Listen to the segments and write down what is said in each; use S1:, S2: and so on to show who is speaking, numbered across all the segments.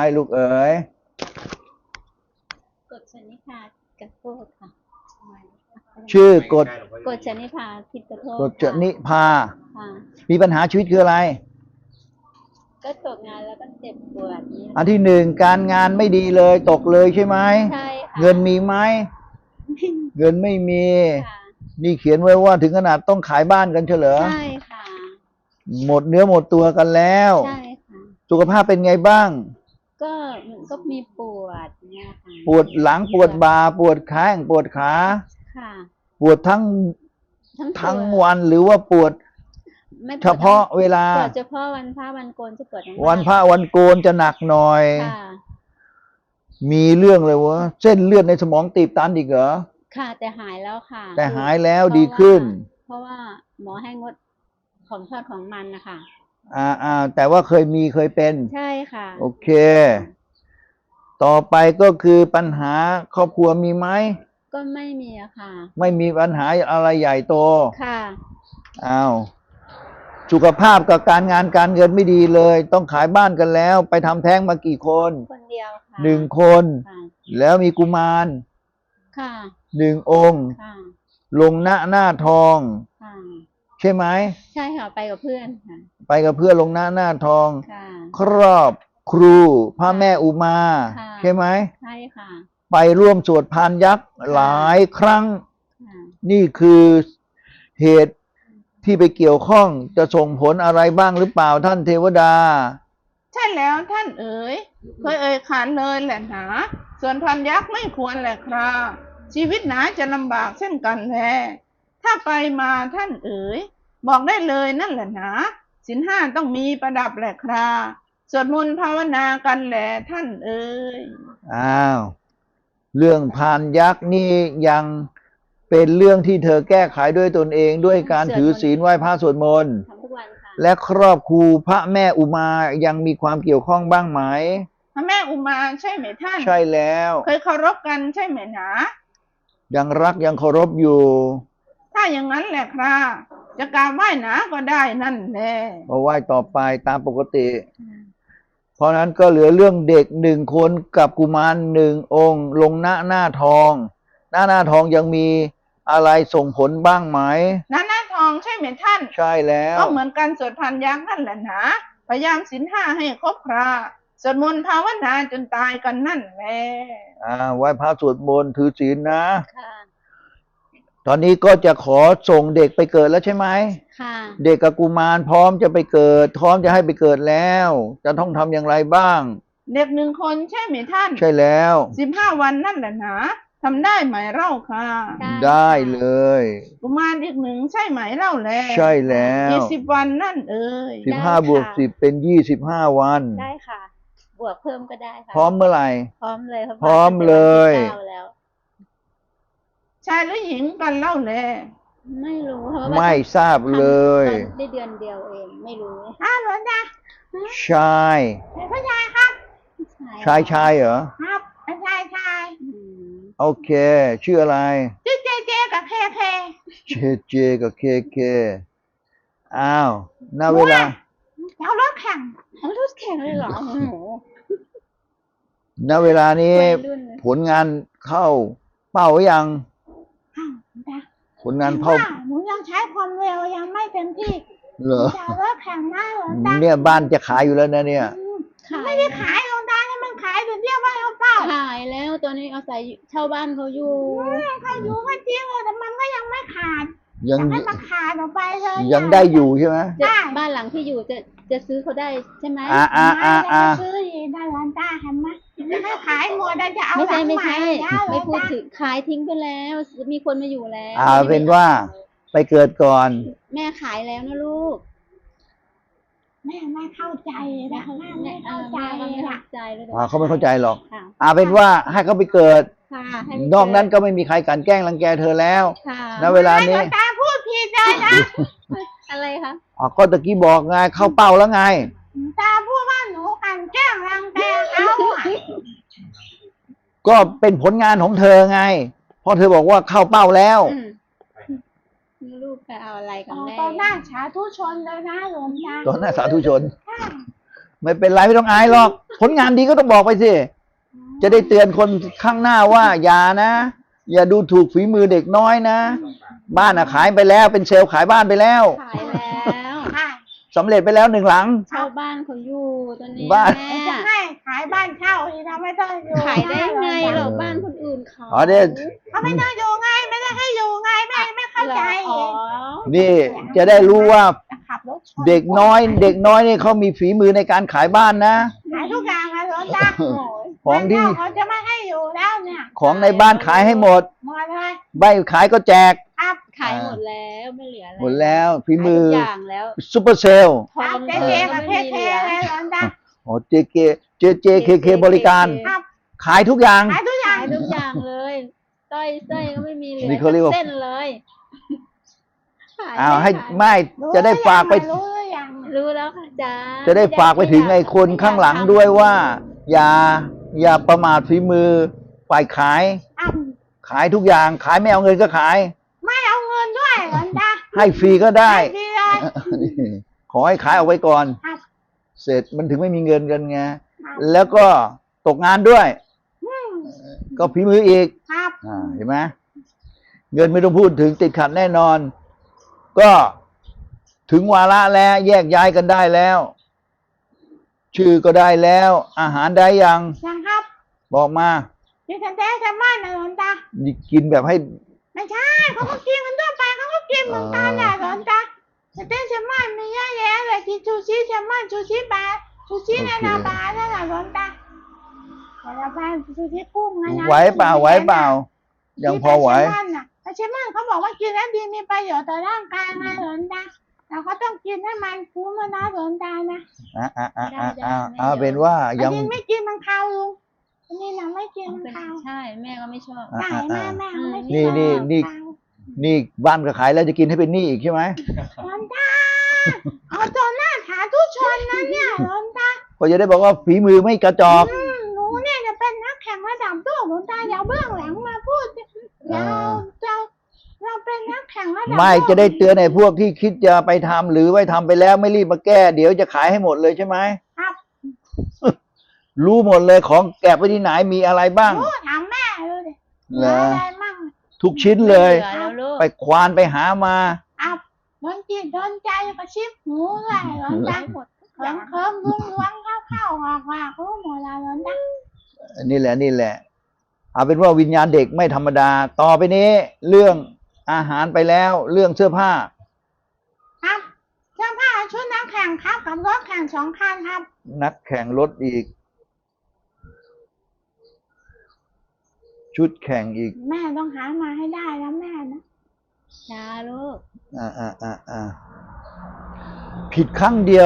S1: ลูกเอ๋ย
S2: กฎชนิพากับโทษค่ะ
S1: ชื่อกฎ
S2: กฎชนิพาทิฏฐโทษ
S1: กฎชนิพา
S2: ค่ะ
S1: มีปัญหาชีวิตคืออะไร
S2: ก็ตกงานแล้วก็เจ็บปวดนี้
S1: อันที่หนึ่งการงานไม่ดีเลยตกเลยใช่ไหม
S2: ใช่ค่ะ
S1: เงินมีไหมเงินไม่มี
S2: ค่ะ
S1: นี่เขียนไว้ว่าถึงขนาดต้องขายบ้านกันเฉลย
S2: ใช่ค่ะ
S1: หมดเนื้อหมดตัวกันแล้ว
S2: ใช่ค่ะ
S1: สุขภาพเป็นไงบ้าง
S2: ก็มันก็มีปวดเนี่ยค่ะ
S1: ปวดหลังปวดบ่าปวดแข้งปวดขา
S2: ค่ะ
S1: ปวดทั้งวันหรือว่าปวดเฉพาะเวลา
S2: ปวดเฉพาะวันพระวันโกนจะปวดมาก
S1: วันพระวันโกนจะหนักหน่อย
S2: ค่ะ
S1: มีเรื่องเลยวะเส้นเลือดในสมองตีบตันอีกเหรอ
S2: ค่ะแต่หายแล้วค่ะ
S1: แต่หายแล้วดีขึ้น
S2: เพราะว่าหมอให้งดของทอดของมันนะคะ
S1: แต่ว่าเคยเป็น
S2: ใช่ค่ะ
S1: โอเคต่อไปก็คือปัญหาครอบครัวมีไหม
S2: ก็ไม่มีอะค่ะ
S1: ไม่มีปัญหาอะไรใหญ่โต
S2: ค่ะ
S1: อ้าวสุขภาพกับการงานการเงินไม่ดีเลยต้องขายบ้านกันแล้วไปทำแท้งมากี่คน
S2: คนเดียวค่ะ
S1: 1 คนแล้วมีกุมาร
S2: ค่ะ
S1: 1 องค์ลงหน้าทองใช่ไหม
S2: ใช่ค่ะไปกับเพื่อนค่ะ
S1: ไปกับเพื่อนลงหน้าทองครอบครูพระแม่อุมาใช่ไหม
S2: ใช่ค่ะ
S1: ไปร่วมสวดพานยักษ์หลายครั้งนี่คือเหตุที่ไปเกี่ยวข้องจะส่งผลอะไรบ้างหรือเปล่าท่านเทวดา
S3: ใช่แล้วท่านเอ๋ยเคยขานเลยแหละหนาส่วนพันยักษ์ไม่ควรแหละครับชีวิตหนาจะลำบากเช่นกันแลถ้าไปมาท่านเอ๋ยบอกได้เลยนั่นแหละหนาศีล 5ต้องมีประดับแหละครับสวดมนต์ภาวนากันแหละท่านเอ๋ย
S1: เรื่องพานยักษ์นี่ยังเป็นเรื่องที่เธอแก้ไขด้วยตนเองด้วยการถือศีลไหว้พระสวดมนต์และครอบครูพระแม่อุมายังมีความเกี่ยวข้องบ้างไหม
S3: พระแม่อุมาใช่ไหมท่าน
S1: ใช่แล้ว
S3: เคยเคารพกันใช่ไหมหนา
S1: ยังรักยังเคารพอยู่
S3: ถ้าอย่างนั้นแหละครับจะกราบไหว้หนาก็ได้นั่นแหละ
S1: ก็ไหว้ต่อไปตามปกติเพราะนั้นก็เหลือเรื่องเด็ก1 คนกับกุมาร1 องค์ลงหน้าทองหน้าทองยังมีอะไรส่งผลบ้างไหม
S3: หน้าทองใช่ไหมท่าน
S1: ใช่แล้ว
S3: ก็เหมือนกันสวดพันยักษ์นั่นแหละนะพยายามศีล 5ให้ครบคราสวดมนต์ภาวนาจนตายกันนั่นแหละ
S1: ไหว้พระสวดมนต์ถือศีลนะตอนนี้ก็จะขอส่งเด็กไปเกิดแล้วใช่ไหม
S2: ค่ะ
S1: เด็กกับกุมารพร้อมจะไปเกิดพร้อมจะให้ไปเกิดแล้วจะต้องทำอย่างไรบ้าง
S3: เด็ก1 คนใช่ไหมท่าน
S1: ใช่แล้ว
S3: 15 วันนั่นแหละนะทำได้ไหมเล่าค่ะ
S1: ได้เลย
S3: กุมารอีก1ใช่ไหมเล่าแล
S1: ใช่แล้ว
S3: 20 วันนั่นเอ่ย
S1: 15 บวก 10เป็น25 วัน
S2: ได้ค่ะบวกเพิ่มก็ได้ค่ะ
S1: พร้อมเมื่อไหร่
S2: พร้อมเลย
S1: พร้อมเลย
S3: ชายหรือหญิงกันเล่าแล
S2: ไม่รู้เพราะว่า
S1: ไม่ทราบเลย
S2: ได้เดือนเดียวเองไม่รู้
S3: หลวงตา
S1: ชาย
S3: ผู้ชายครับ
S1: ชายเหรอ
S3: ครับชาย
S1: โอเคชื่ออะไร
S3: ชื่อเจกับเค
S1: กับเคอ้าวณเวลา
S3: เอารถแข่ง
S2: เลยเหรอ
S1: ณเวลานี้ผลงานเข้าเป้าหรือยังผลงานเข้า
S3: หนูยังใช้ความเร็วยังไม่เต็มที่
S1: เหรอ
S3: จะรถแข่งได้หรอ
S1: เนี่ยบ้านจะขายอยู่แล้วนะเนี่ย
S3: ไม่ได้ขายหรอกให้มันขายเดี๋ยวเรียกว่าเอาเป้า
S2: ขายแล้วตัวนี้เอาใส่เช่าบ้านเขาอยู่
S3: เขาอยู่ก็จริงแต่มันก็ยังไม่ขาดยังให้มันขาดออกไปเลย
S1: ยังได้อยู่ใช่ไหม
S2: บ้านหลังที่อยู่จะซื้อเขาได้ใช่ไหม
S3: ซื้อได้หลวงตาเห็นไหมไม่ขายหมดได้จะเอา
S2: หลังใหม่ไม่พูดถึงขายทิ้งไปแล้วมีคนมาอยู่แล้ว
S1: เป็นว่าไปเกิดก่อน
S2: แม่ขายแล้วนะลูก
S3: แม่ไม่เข้าใจนะแม่เข้าใจ
S1: เขาไม่เข้าใจหรอกเป็นว่าให้เขาไปเกิดนอกนั้นก็ไม่มีใครกลั่นแกล้งรังแกเธอแล้วณเวลานี้
S3: ตาพูดผิดเลยนะ
S2: อะไรคะ
S1: ก็ตะกี้บอกไงเข้าเป้าแล้วไง
S3: ตาพูดว่าหนูกลั่นแกล้งรังแกเขา
S1: ก็เป็นผลงานของเธอไงเพราะเธอบอกว่าเข้าเป้าแล้ว
S2: ลูกจะเอาอะไรกันแน่
S3: ตอนหน้าสาธุชนเลยนะหลวงตา
S1: ตอนหน้าสาธุชนไม่เป็นไรไม่ต้องอายหรอก ผลงานดีก็ต้องบอกไปสิ จะได้เตือนคนข้างหน้าว่าอย่านะ อย่าดูถูกฝีมือเด็กน้อยนะ บ้านขายไปแล้วเป็นเซลล์ขายบ้านไปแล้ว
S2: ขายแล้ว
S3: ค่ะ
S1: สำเร็จไปแล้ว1 หลัง
S2: เช่าบ้านเขาอยู่ตอนนี้
S1: บ้าน
S2: แม่
S3: จะให้ขายบ้านเช่าอีกนะไม่ต้องอยู่
S2: ขายได้ไงหรอกบ้านคนอื่นเขา
S1: อ๋อเนี่ย
S3: เขาไม่ต้องอยู่ไงไม่ได้ให้อยู่ไงแม่ไม่เข้าใจ
S2: อ๋อ
S1: นี่จะได้รู้ว่า
S3: จะขับรถชน
S1: เด็กน้อยนี่เขามีฝีมือในการขายบ้านนะ
S3: ขายทุกอย่างเลยหลวงตา
S1: ของที่
S3: บ้านเช่าเขาจะไม่ให้อยู่แล้วเนี่ย
S1: ของในบ้านขายให้หมด
S3: หมดเลย
S1: ใบขายก็แจก
S3: ครับ
S2: ขายหมดแล้วไม่เหลือแล้ว
S1: หมดแล้วฝีมือ
S2: ขายทุกอย่างแล้ว
S1: ซุปเปอร์เซลล์
S2: ทอง
S3: เจ๊
S2: เอ
S3: เจ๊
S2: อ
S3: กับ
S2: ไม่
S3: เท
S2: มี
S3: เท
S2: เหลือ
S3: เลยหลวงตา
S1: อ๋อJK บริการ
S3: ครับ
S1: ขายทุกอย่าง
S3: ขายทุกอย่าง
S2: ขายทุกอย่างเลยสร้อยก็ไม่มีเหลือ
S1: นี่เขาเรียกว่า
S2: เส้นเลยขาย
S1: อ้าวให้
S2: ขาย
S1: ไม่จะได้ฝากไป
S3: รู้หรือยัง
S2: รู้แล้วค่ะจ้า
S1: จะได้ฝากไปถึงไอ้คนข้างหลังด้วยว่า อย่าประมาทฝีมือฝ่ายขาย
S3: ครับ
S1: ขายทุกอย่างขายไม่เอาเงินก็ขาย
S3: ไม่เอาเงินด้วยหลวงตา
S1: ให้ฟรีก็ได้
S3: ให้ฟรีเลย
S1: ขอให้ขายออกไปก่อน
S3: ครับ
S1: เสร็จมันถึงไม่มีเงินกันไง
S3: ครับ
S1: แล้วก็ตกงานด้วย
S3: อืม
S1: ก็ฝีมืออีก
S3: ครับ
S1: เห็นไหมเงินไม่ต้องพูดถึงติดขัดแน่นอน ก็ถึงวาระแล้วแยกย้ายกันได้แล้ว ชื่อก็ได้แล้ว อาหารได้ยัง
S3: ยังครับ
S1: บอกมา
S3: ดิฉันแท้จะมั่นนะหลวงตา
S1: กินแบบให้
S3: ไม่ใช่เขาก็กินกันทั่วไปเขาก็กินเหมือนกันแหละหลวงตาแต่เต้นแซลมอนมีเยอะแยะเลยกินซูชิแซลมอนซูชิปลาซูชินานาปลานั่นแหละหลวงตาแต่ละบ้านซูชิกุ้งนะนะ
S1: ไหวเปล่าไหวเปล่า ยังพอไหว
S3: แซลมอนน่ะแต่แซลมอนเขาบอกว่ากินแล้วดีมีประโยชน์ต่อร่างกายนะหลวงตาเราก็ต้องกินให้มันคุ้มนะหลวงตานะ
S1: เป็นว่า
S3: อัน
S1: ยัง
S3: นี้ไม่กินมันคาวลุงอันนี้เราไม่กินมันคาว
S2: ใช่แม่ก็ไม่ชอบ
S3: ใช่แม่ไม่กิ
S1: นี่
S3: คาว
S1: นี่บ้านก็ขายแล้วจะกินให้เป็นหนี้อีกใช่ไหม
S3: หลวงตาเอาตัวหน้าถาทุกชนนะเนี่ยหลวงตา
S1: ก็จะได้บอกว่าฝีมือไม่กระจอก
S3: หนูเนี่ยจะเป็นนักแข่งระดับโลกหลวงตาอย่าเบื้องหลังมาพูดเราเป็นนักแข่งระดับโลก
S1: ไม่จะได้เตือนไอ้พวกที่คิดจะไปทำหรือไว้ทำไปแล้วไม่รีบมาแก้ เดี๋ยวจะขายให้หมดเลยใช่ไหม
S3: ครับ
S1: รู้หมดเลยของแกะไปที่ไหนมีอะไรบ้าง
S3: โอ้ถามแม่เลยดิ
S1: เหรอ
S3: อะไรมั่ง
S1: ทุกชิ้นเลย
S2: ไม่หอแล้วลูก
S1: ไปควานไปหามา
S3: อับโดนจิตโดนใจกระชิบหูเลยหลวงตาหมดเคิมล้วงเข้าออกรู้หมดแล้วหลวงตา
S1: นี่แหละ เอาเป็นว่าวิญญาณเด็กไม่ธรรมดา ต่อไปนี้ เรื่องอาหารไปแล้ว เรื่องเสื้อผ้า
S3: ครับเสื้อผ้าชุดนักแข่งครับกับรถแข่ง2 คันครับ
S1: นักแข่งรถอีก ชุดแข่งอีก
S3: แม่ต้องหามาให้ได้แล้วแม่นะ
S2: จ้าลูก
S1: ผิดครั้งเดียว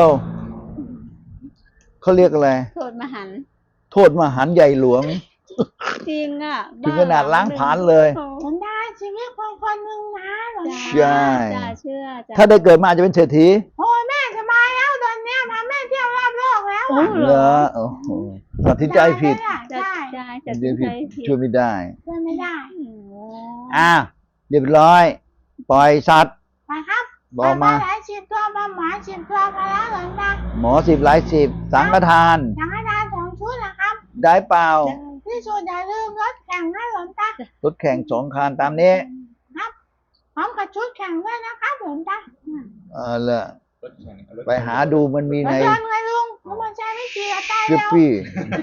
S1: เขาเรียกอะไร
S2: โทษมหันต์
S1: โทษมหันต์ใหญ่หลวง
S2: จริงอ่ะ
S1: ถึงขนาดล้างผลาญเลย
S2: โอ้
S3: หลวงตาชีวิตคนหนึ่งนะหลวง
S2: จ้า
S3: ตา
S1: ใช่
S2: จ้าเชื่อจ้า
S1: ถ้าได้เกิดมาอาจจะเป็นเศรษฐี
S3: โอ้ยแม่สบายแล้วตอนเนี้ยพาแม่เที่ยวรอบโลกแล้ว
S2: โอ้
S3: อะ
S2: เหร
S1: เหร
S2: อ
S1: อโอ้โหตัดสินใจผิด
S3: ใช่
S2: จ้า
S3: ใช่
S2: จ้า
S1: ตัดสินใจผิด
S2: ผิด
S1: ช่วยไม่ได้
S3: ช่วยไม่ได้
S2: โอ้
S1: เรียบร้อย ปล่อยสัตว์
S3: ไปครับ
S1: บอกมา
S3: หลาย10 ตัวมาหมา10 ตัวมาแล้วหลวงตา
S1: หมอ10หลาย10สังฆทาน
S3: สังฆทาน2 ชุดนะครับ
S1: ได้เปล่า
S3: ที่สุดอย่าลืมรถแข่งนะหลวงตาร
S1: ถแข่ง2 คันตามนี้
S3: ครับพร้อมกับชุดแข่งด้วยนะครับหลวงตา
S1: ละ ไปหาดูมันมี
S3: ร
S1: ใน
S3: ถยนต์ไงลุงผมมันใช้ไม่เกี่ยวตาย
S1: ชิป
S3: แล้ว
S1: ปี้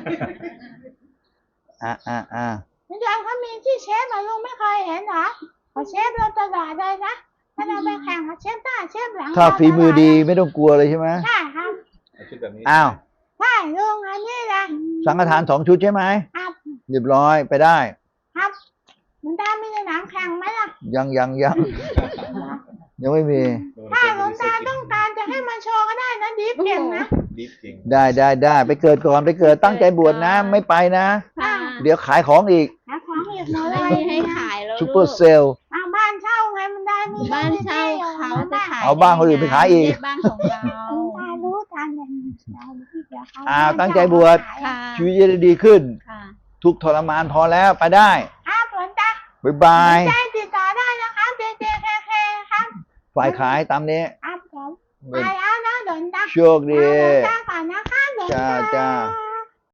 S3: รถยนต์เขามีที่เชฟเหรอลุงไม่เคยเห็นเหรอเขาเชฟเราตลอดเลยนะถ้าเราไปแข่งกับเชฟหน้าเชฟหลัง
S1: ถ้าฝีมือดีไม่ต้องกลัวเลยใช่ไหม
S3: ใช่ครับ
S4: ชุดแบบนี้
S1: อ้าว
S3: ใช่ลุงอันนี้แหละ
S1: สังฆทาน2 ชุดใช่ไหม
S3: ครับ
S1: เรียบร้อยไปได้
S3: ครับหลวงตามีสนามแข่งไหมล่ะ
S1: ยังยังไม่มี
S3: ถ้าหลวงตาต้องการจะให้มาโชว์ก็ได้นะดิฟเก่งนะ
S4: ดิฟจริง
S1: ได้ไปเกิดก่อนไปเกิดตั้งใจบวชนะ ไม่ไปนะ
S2: ค่ะ
S1: เดี๋ยวขายของอีก
S3: หาของอีกหมดเล
S2: ไม่
S3: ย
S2: ให้ขายแล้ว
S1: ซู
S2: ลู
S1: เปอร์
S2: ก
S1: เซลล์
S3: บ้านเช่าไงมันได้มี
S2: บ้านเช่าเขาจะขาย
S1: เอาบ้านคนอื่นไปขายอีก
S2: ม่ใช่บ้านของเรา
S3: หลวงตารู้กันอย่างนี้เดี๋ยวเขา
S1: ตั้งใจบวช
S2: ค่ะ
S1: ชีวิตจะได้ดีขึ้น
S2: ค่ะ
S1: ทุกข์ทรมานพอแล้วไปได้
S3: ครับหลวงตา
S1: บ๊ายบาย
S3: ใจติดต่อได้นะครับเจเจเคครับ
S1: ฝ่ายขายตามนี้
S3: ครับผมไปแล้วนะหลวงตา
S1: โชคดี
S3: หลวงตาก่อนนะคะหล
S1: จ้าจ้า